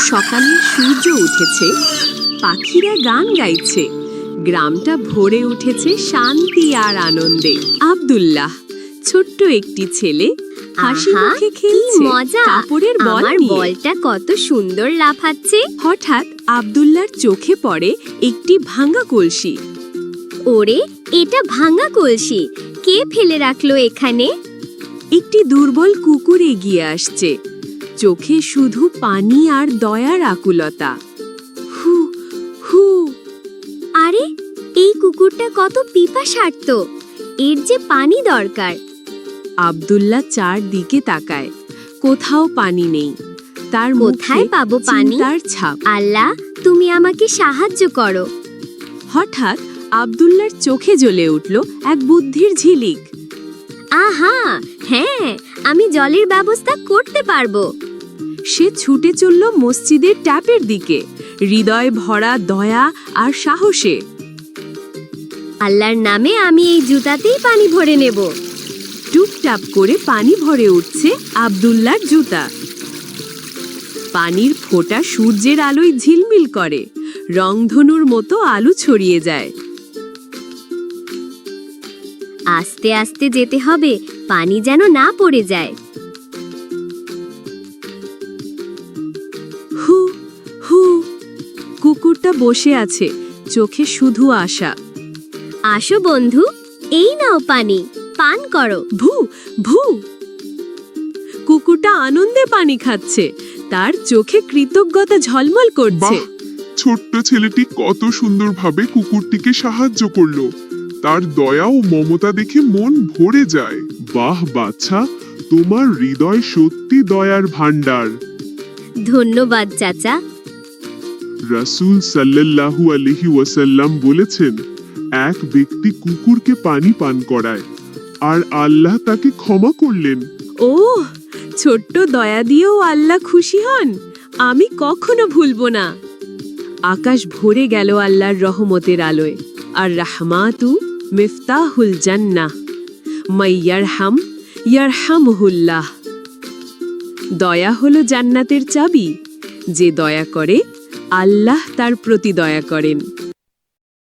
সকালের সূর্য উঠেছে, পাখিরা গান গাইছে, গ্রামটা ভরে উঠেছে শান্তি আর আনন্দে। আব্দুল্লাহ, ছোট্ট একটি ছেলে, হাসি আহা, মুখে কি খেলছে মজা! কাপড়ের বল আমার নিয়ে। বলটা কত সুন্দর লাফাচ্ছে। হঠাৎ আব্দুল্লাহর চোখে পড়ে একটি ভাঙা কলসি। ওরে, এটা ভাঙা কলসি। কে ফেলে রাখলো এখানে? একটি দুর্বল কুকুর এগিয়ে আসছে, চোখে শুধু পানি আর দয়ার আকুলতা। হু হু। আরে, এই কুকুরটা কত পিপাসার্ত। এর যে পানি দরকার। আব্দুল্লাহ চারদিকে তাকায়, কোথাও পানি নেই। তার কোথায় মুখে পাবো পানি? চিন্তার ছাপ। আল্লাহ, তুমি আমাকে সাহায্য করো। হঠাৎ আব্দুল্লাহর চোখে জ্বলে উঠল এক বুদ্ধির ঝিলিক। আহা, হ্যাঁ, আমি জলের ব্যবস্থা করতে পারবো। সে ছুটে চলল মসজিদের ট্যাপের দিকে, হৃদয় ভরা দয়া আর সাহসে। আল্লাহর নামে আমি এই জুতাতেই পানি ভরে নেব। টুপটাপ করে পানি ভরে উঠছে আব্দুল্লাহর জুতা। পানির ফোঁটা সূর্যের আলোয় ঝিলমিল করে, রংধনুর মতো আলো ছড়িয়ে যায়। আস্তে আস্তে যেতে হবে, পানি যেন না পড়ে যায়। হু হু। কুকুরটা বসে আছে, চোখে শুধু আশা। আসো বন্ধু, এই নাও পানি, পান করো। ভু ভু। কুকুরটা আনন্দে পানি খাচ্ছে, তার চোখে কৃতজ্ঞতা ঝলমল করছে। বাহ, ছোট্ট ছেলেটি কত সুন্দরভাবে কুকুরটিকে সাহায্য করলো। তার দয়া ও মমতা দেখে মন ভরে যায়। বাহ বাচ্চা, তোমার হৃদয় সত্যি দয়ার ভান্ডার। ধন্যবাদ চাচা। রাসূল সাল্লাল্লাহু আলাইহি ওয়াসাল্লাম বলেছেন, এক ব্যক্তি কুকুরকে পানি পান করায় আর আল্লাহ তাকে ক্ষমা করলেন। ও, ছোট্ট দয়া দিয়েও আল্লাহ খুশি হন, আমি কখনো ভুলবো না। আকাশ ভরে গেল আল্লাহর রহমতের আলোয়। আর রাহমাতু মিফতাহুল জান্নাহ, মাইয়ারহাম ইয়ারহামহুল্লাহ। দয়া হলো জান্নাতের চাবি। যে দয়া করে, আল্লাহ তার প্রতি দয়া করেন।